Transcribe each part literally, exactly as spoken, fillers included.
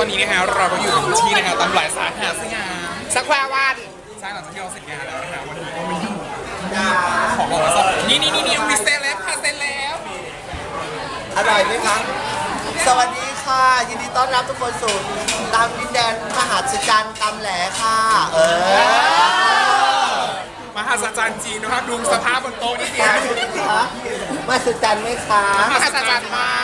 อนนี้นะฮะเราก็อยู่ที่นะฮะตำหลายสาขาสยามสแควร์วันใช่หลังจากที่เราเสร็จงานแล้วนะฮะวันนี้ก็มาอยู่ขอบอกว่านี่นี่นี่นี่มีเซเลบค่ะเซเลบอร่อยไหมคะสวัสดีค่ะ ยินดีต้อนรับทุกคนสู่ตามดินแดนมหาศจรรย์ตำแหลค่ะ เออมหาศาลจีนนะครับดูสภาพบนโต๊ะนี่เดียวมหัศจรรย์ไหมคะมหาศาลมาก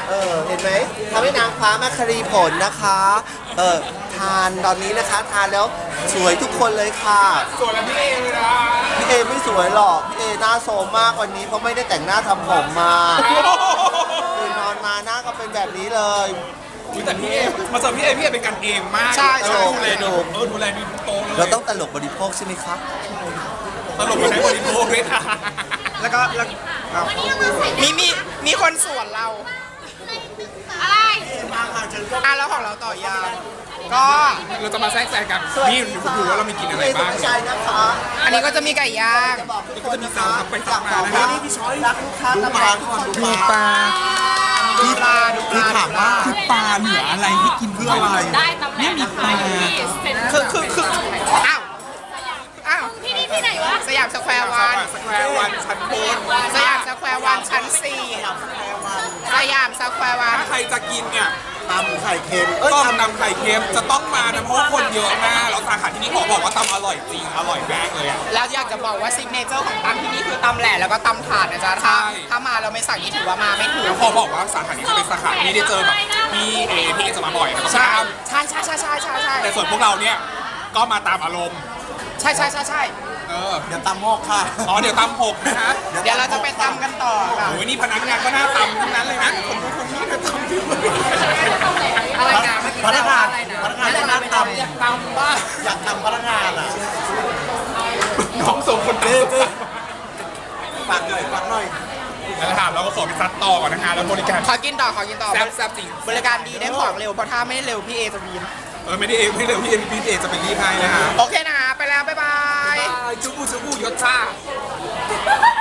เออเห็นไหมทำให้นางฟ้ามาครีผลนะคะเออทานตอนนี้นะคะทานแล้วสวยทุกคนเลยค่ะส่วนแล้วพี่เอเลยนะพี่เอไม่สวยหรอกพี่เอหน้าโซมมากวันนี้เพราะไม่ได้แต่งหน้าทำผมมาตื่นนอนมาหน้าก็เป็นแบบนี้เลยอุ๊ยแต่พี่เอมาเจอพี่เอพี่เอเป็นกันเองมากใช่เออดูแลดีเออดูแลดีทุกโต๊ะเลยเราต้องตลกบริโภคใช่ไหมคะตลกมาใช้บริโภคด้วยค่ะแล้วก็แล้วมีมีมีคนสวนเราอะไรอ่ะแล้วของเราต่อยาวก็เราจะมาแทรกแซงกันนี่ดูดูว่าเรามีกินอะไรบ้างใช่นะคะอันนี้ก็จะมีไก่ย่างนี่ก็จะมีสาวไปสาวมานะครัรับบ พี่ช้อยรักลูกค้าตลาดทุกคนดูปลาดูปลาดูปลาถามว่าคือปลาเหลืออะไรให้กินเพื่ออะไรได้ตำแหน่งนะคะที่เซ็นคือคือคืออ้าวอ้าวที่นี่ที่ไหนวะสยามสแควร์วันสแควร์วันชั้นบนสยามสแควร์วันชั้นสี่สยามสแควร์วันถ้าใครจะกินเนี่ยตำไข่เค็มเอ้ยต้มตำตำไข่เค็มจะต้องมานะเพราะว่าคนเยอะมากแล้วสาขาที่นี่ขอบอกว่าตำอร่อยจริงอร่อยมากเลยอ่ะแล้วอยากจะบอกว่าซิกเนเจอร์ของตำที่นี่คือตำแหล่แล้วก็ตำถาดนะจ๊ะใช่ถ้าถ้ามาเราไม่สั่งนี่ถือว่ามาไม่ถูกแล้วขอบอกว่าสาขานี้จะเป็นสาขาที่ได้เจอแบบพี่เอพี่เอจะมาบ่อยนะครับใช่ใช่ใช่ใช่ใช่ใช่ใช่แต่ส่วนพวกเราเนี่ยก็มาตามอารมณ์ใช่ใช่ใช่ใช่เออเดี๋ยวตำหกค่ะอ๋อเดี๋ยวตำหกนะฮะเดี๋ยวเราจะไปตำกันต่อค่ะโอ้ยนี่พนักงานก็น่าตำทั้งนั้นเลยนะคนนู้นคนนี้ก็ตำที่มืออะไรนะเมื่อกี้พนักงานอะไรนะพนักงานจะนั่งตำอยากตำบ้างอยากทำพนักงานอ่ะน้องส่งคนเต้เต้ฝากหน่อยฝากหน่อยแล้วถามเราก็ขอไปซัดต่อก่อนนะฮะแล้วบริการขอกินต่อขอกินต่อแซ่บแซ่บจริงบริการดีได้ของเร็วเพราะถ้าไม่เร็วพี่เอจะวีนเออไม่ได้เองไม่ได้พี่เอพี่เอจะเป็นรีบให้นะฮะโอเคนะไปแล้วบ๊ายบายจุบูจุบูยศชา